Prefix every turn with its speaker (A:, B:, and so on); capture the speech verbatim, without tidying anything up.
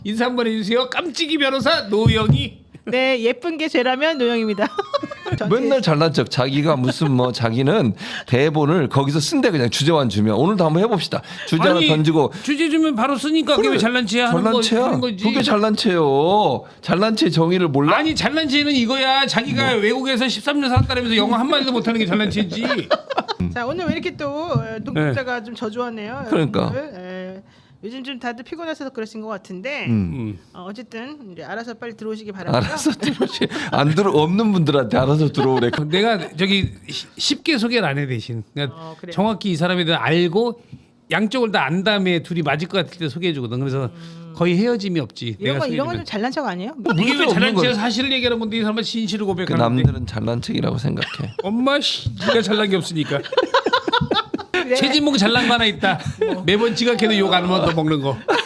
A: 인사 한번 해주세요. 깜찍이 변호사 노영희.
B: 네, 예쁜 게 죄라면 노영입니다.
C: 맨날 잘난 척 자기가 무슨 뭐 자기는 대본을 거기서 쓴대 그냥 주제만 주면 오늘도 한번 해봅시다. 주제 하나
A: 아니,
C: 던지고
A: 주제 주면 바로 쓰니까 그게 왜 잘난 체야 하는
C: 잘난
A: 거
C: 체야.
A: 하는 거지.
C: 그게 잘난 체요. 잘난 체 정의를 몰라?
A: 아니 잘난 체는 이거야. 자기가
C: 뭐.
A: 외국에서 십삼 년 살았다면서 영어 한 마디도 못하는 게 잘난 체지.
B: 자, 오늘 왜 이렇게 또 동국자가 좀 저조하네요.
C: 그러니까.
B: 여러분들. 에, 요즘 좀 다들 피곤해서 그러신 것 같은데
C: 음.
B: 어, 어쨌든 이제 알아서 빨리 들어오시기 바라고요.
C: 알아서 들어오시. 안 들어 없는 분들한테 알아서 들어오래.
A: 내가 저기 시- 쉽게 소개를 안 해 대신 그러니까
B: 어, 그래요?
A: 정확히 이 사람에 대해 알고 양쪽을 다 안 다음에 둘이 맞을 것 같을 때 소개해주거든. 그래서 거의 헤어짐이 없지.
B: 이런 거 이런
A: 소개해주면.
B: 건좀 잘난 척 아니에요?
A: 이게 왜 잘난
C: 없는
A: 체야?
C: 걸.
A: 사실을 얘기하는 건데 이 사람은 진실을
C: 그
A: 고백하는데.
C: 남들은 잘난 척이라고 생각해.
A: 엄마 씨, 네가 잘난 게 없으니까.
B: 네.
A: 최진봉 잘난 거 하나 있다. 매번 지각해도 욕 안 먹어 먹는 거.